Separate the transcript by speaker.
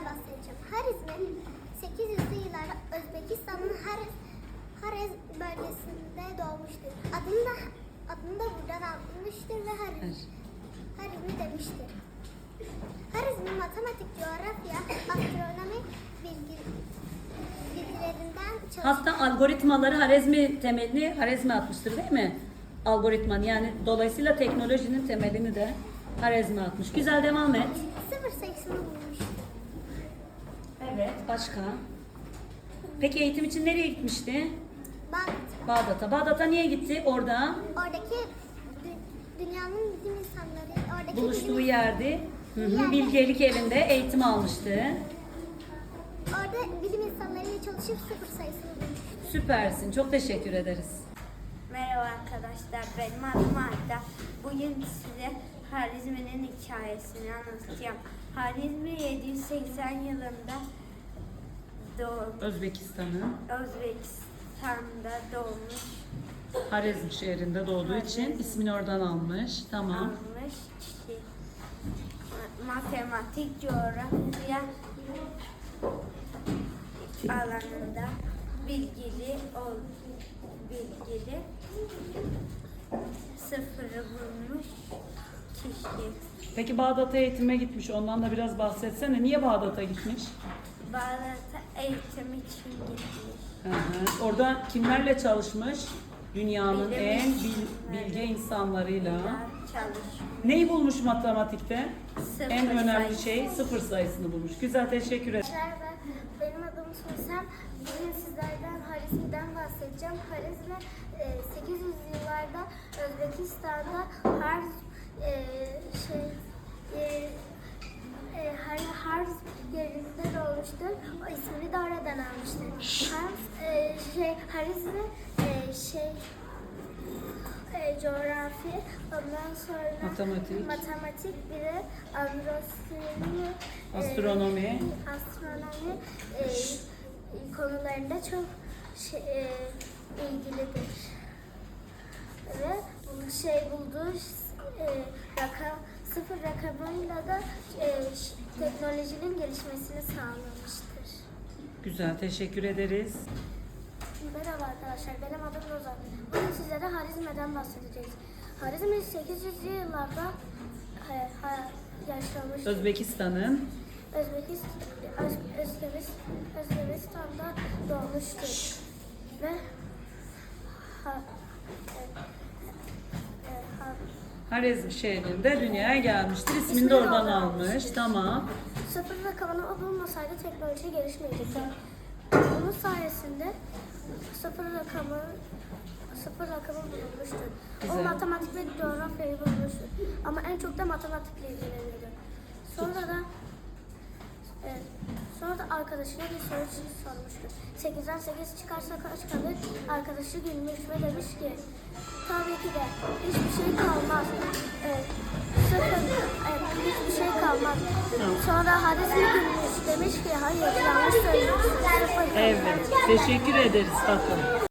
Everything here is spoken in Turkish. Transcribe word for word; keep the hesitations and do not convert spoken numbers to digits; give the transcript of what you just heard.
Speaker 1: bahsedeceğim. Harizmi sekiz yüzlü yıllarda Özbekistan'ın Harez, Harez bölgesinde doğmuştur. Adını da, adını da buradan almıştır ve Hariz, Harizmi demiştir. Harizmi matematik, coğrafya, astronomi bilgi, bilgilerinden çalışır.
Speaker 2: Hatta algoritmaları Harizmi temelini Harizmi atmıştır değil mi? Algoritman yani dolayısıyla teknolojinin temelini de Harizmi atmış. Güzel, devam et.
Speaker 1: Sıfır sayısını bulmuştur.
Speaker 2: Evet. Başka? Peki eğitim için nereye gitmişti?
Speaker 1: Bağdat.
Speaker 2: Bağdat'a. Bağdat'a niye gitti? Orada
Speaker 1: Oradaki dü- dünyanın bilim insanları, oradaki
Speaker 2: buluştuğu
Speaker 1: bilim,
Speaker 2: yerde hı hı,
Speaker 1: yerde-
Speaker 2: bilgelik evinde eğitim almıştı.
Speaker 1: orada bilim insanlarıyla çalışıp sıfır sayısını bulmuştur.
Speaker 2: Süpersin. Çok teşekkür ederiz.
Speaker 3: Merhaba arkadaşlar, benim adım Arda. Bugün size Harizmi'nin hikayesini anlatacağım. Harizmi yedi yüz seksen yılında doğmuş,
Speaker 2: Özbekistan'ın
Speaker 3: Özbekistan'da doğmuş,
Speaker 2: Harizm şehrinde doğduğu için ismini oradan almış. Tamam.
Speaker 3: almış kişi. Matematik, coğrafya alanında bilgili ol, bilgili sıfırı bulmuş kişi.
Speaker 2: Peki Bağdat'a eğitime gitmiş. Ondan da biraz bahsetsene. Niye Bağdat'a gitmiş?
Speaker 3: Bağdat'a eğitim için gitmiş.
Speaker 2: Hı hı. Orada kimlerle çalışmış? Dünyanın
Speaker 3: Bilim
Speaker 2: en bil-
Speaker 3: insanları.
Speaker 2: bilge insanlarıyla.
Speaker 3: Çalışmış.
Speaker 2: Neyi bulmuş matematikte?
Speaker 3: Sıfır
Speaker 2: En önemli
Speaker 3: sayısı.
Speaker 2: şey sıfır sayısını bulmuş. Güzel, teşekkür ederim.
Speaker 1: Merhaba, benim adım Suysem. Bugün sizlerden Harizmi'den bahsedeceğim. Harizmi e, sekiz yüzlü yıllarda Özbekistan'da Harz e, şey e, e, Har- Harz yerinde doğmuştur. O ismini de oradan almıştır. Harz e, şey Harizmi e, şey e, coğrafi, ondan sonra
Speaker 2: Matematik.
Speaker 1: matematik bir de astronomi, e,
Speaker 2: Astronomi.
Speaker 1: astronomi e, konularında çok şey, e, ilgilidir. Ve bu şey bulduğu e, rakam, sıfır rakamıyla da e, ş- teknolojinin gelişmesini sağlamıştır.
Speaker 2: Güzel, teşekkür ederiz.
Speaker 1: Merhaba arkadaşlar, benim adım Rozan. Bugün sizlere Harizmi'den bahsedeceğiz. Harizmi sekiz yüzlü yıllarda e, ha- yaşamış.
Speaker 2: Özbekistan'ın
Speaker 1: Özbekistan, Öz, Özbekistan, Özbekistan'da doğmuştur. Ve ha, e, e, ha,
Speaker 2: Harizm şehrinde dünyaya gelmiştir. İsmini
Speaker 1: İsmini
Speaker 2: de oradan
Speaker 1: oradan
Speaker 2: almış.
Speaker 1: almıştır.
Speaker 2: Tamam.
Speaker 1: sıfır rakamını bulmasaydı teknoloji gelişmeyecekti. Bunun sayesinde sıfır rakamı sıfır rakamı bulunmuştur.
Speaker 2: Güzel.
Speaker 1: O matematik ve coğrafyayı bulmuştur. Ama en çok da matematikle ilgileniyordu. Sonra da evet, sonra da arkadaşına bir soru sormuştur. sekizden sekiz çıkarsa kaç kalır? Arkadaşı gülmüş ve demiş ki tabii ki de hiçbir şey kalmaz. Evet, sıfır, evet, hiçbir şey kalmaz. Sonra Harizmi gülmüş demiş ki hayır yanlış söylüyorsun. Sıfır kalır.
Speaker 2: Evet, teşekkür ederiz tatlım.